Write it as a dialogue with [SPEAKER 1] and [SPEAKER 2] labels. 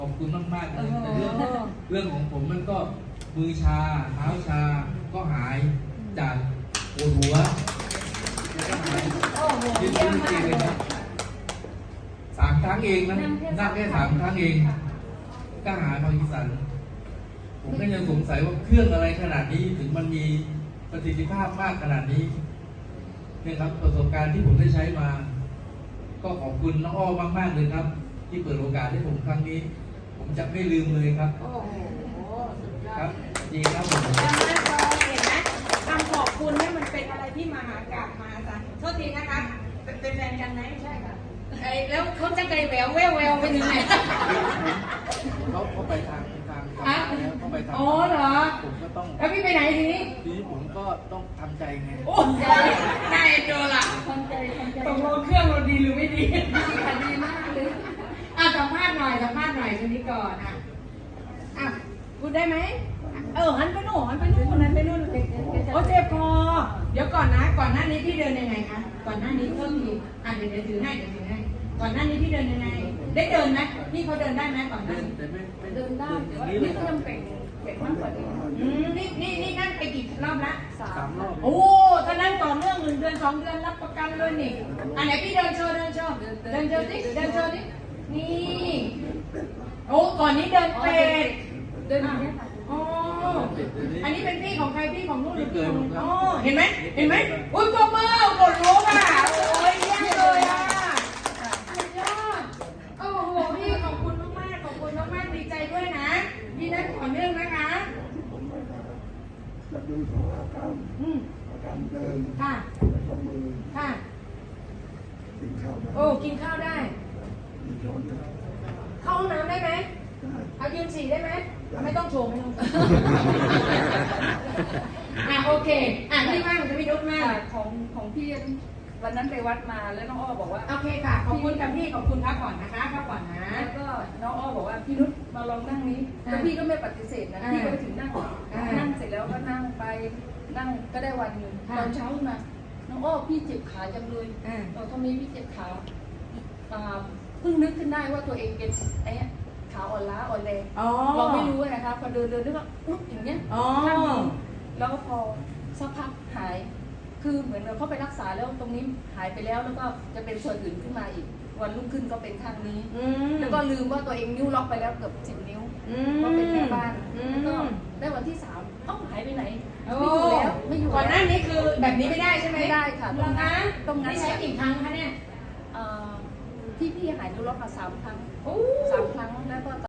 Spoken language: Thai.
[SPEAKER 1] ขอบคุณมากๆเลยแต่เรื่องของผมมันก็มือชาเท้าชาก็หายจากปวดหัวแล้วก็หายยืดจริงเลยนะ3 ครั้งเองนะนั่งแค่3 ครั้งเองก็หายพาร์กินสันผมก็ยังสงสัยว่าเครื่องอะไรขนาดนี้ถึงมันมีประสิทธิภาพมากขนาดนี้เนี่ยครับประสบการณ์ที่ผมได้ใช้มาก็ขอบคุณน้องอ้อมากๆเลยครับที่เปิดโอกาสให้ผมครั้งนี้ผมจะไม่ลืมเลยครับ
[SPEAKER 2] โอ้โหสุดยอด
[SPEAKER 1] ครับจริงครับผม
[SPEAKER 2] จำได้พอเห็นไหมคำขอบคุณเนี่ยมันเป็นอะไรที่มหากาพย์มหาศาลโทษทีนะคะเป็นแฟนกันไหมใช่ค่ะแล้วเขาจะไกลแววแววไปถึงไหน
[SPEAKER 1] เขาไปทางแล้วเขาไปทาง
[SPEAKER 2] อ๋อเหรอ
[SPEAKER 1] ผมก็ต้อง
[SPEAKER 2] แล้วพี่ไปไหนทีนี้
[SPEAKER 1] ทีนี้ผมก็ต้องทำใจไง
[SPEAKER 2] โอ้ยน่าเอ็นดูล่ะตกลงเครื่องเราดีหรือไม่ดีดีมากเลยสัมภาษณ์หน่อยคนนี้ก่อนพูดได้ไหมหันไปโน่นหันไปนู่นโอ้เจ็บคอเดี๋ยวก่อนนะก่อนหน้านี้พี่เดินยังไงคะก่อนหน้านี้เพิ่มทีเดี๋ยวถือให้ก่อนหน้านี้พี่เดินยังไงได้เดินไหมพี่เขาเดินได้ไหมก่อนหน้า
[SPEAKER 1] แต่ไม่
[SPEAKER 2] เดินได้
[SPEAKER 1] อย่างนี้เลยครับ
[SPEAKER 2] เป็นมากกว่านี้นี่นั่นไปกี่รอบละ
[SPEAKER 1] 3 รอบ
[SPEAKER 2] โอ้ถ้านั่นต่อเนื่อง1 เดือน 2 เดือนรับประกันเลยนี่อันไหนพี่เดินโชว์ดินี่โอ้ก่อนนี้เดินเป็ดเดินอย่างนี้ค่ะอ๋ออันนี้เป็นพี่ของใครพี่ของลูกหรือพี่ของอ๋อเห็นไหมอุ้ยตัวมือกดรู้อ่ะโอ้ยเยี่ยมเลยอ่ะสุดยอดโอ้โหพี่ขอบคุณมากดีใจด้วยนะพี่นัดต่อเนื่องนะคะ
[SPEAKER 3] จะดูสุขภาพการเดิน
[SPEAKER 2] ค่ะ
[SPEAKER 3] แล้วก็มือ
[SPEAKER 2] ค่ะ
[SPEAKER 3] กินข้าวได้
[SPEAKER 2] โอ้กินข้าวได้
[SPEAKER 3] มีช้อนได้
[SPEAKER 2] เข้าห้องน้ำได้ไหม
[SPEAKER 3] ได้
[SPEAKER 2] เอายืนฉี่ได้ไหมไม่ต้องโชว์โอเคพี่ว่างจะพี่นุชมาก
[SPEAKER 4] ของพี่วันนั้นไปวัดมาแล้วน้องอ้อบอกว่า
[SPEAKER 2] โอเคค่ะขอบคุณกับพี่ขอบคุณพักก่อนนะคะพักก่อนนะ
[SPEAKER 4] แล้วก็น้องอ้อบอกว่าพี่นุชมาลองนั่งนี้แล้วพี่ก็ไม่ปฏิเสธนะพี่ก็ไปถึงนั่งเสร็จแล้วก็นั่งไปนั่งก็ได้วันหนึ่งตอนเช้าขึ้นมาน้องอ้อพี่เจ็บขาจังเลยเราทำไมพี่เจ็บขาเพิ่งนึกขึ้นได้ว่าตัวเองเป็นไอ้ขาอ่อนล้าอ่อนแรงเราไม่รู้นะคะพอเดินนึกว่าอุ๊ยอย่างเงี้ยข้างนี้แล้วก็พอสักพักหายคือเหมือนเราเข้าไปรักษาแล้วตรงนี้หายไปแล้วแล้วก็จะเป็นส่วนอื่นขึ้นมาอีกวันรุ่งขึ้นก็เป็นข้างนี้แล้วก็ลืมว่าตัวเองนิ้วล็อกไปแล้วเกือบ10 นิ้วก็เป็นแม่บ้านแล้วก็ได้วันที่3หายไปไหนไม่อยู่แล้วไม่อยู่
[SPEAKER 2] ก่อนหน้านี้คือแบบนี้ไม่ได้ใช่ไหม
[SPEAKER 4] ไม่ได้ค่ะตรงนั้น
[SPEAKER 2] ใช้กี่ครั้งคะเนี่ย
[SPEAKER 4] ที่พี่หายนิ้วล็อกมา3 ครั้งแล้วก็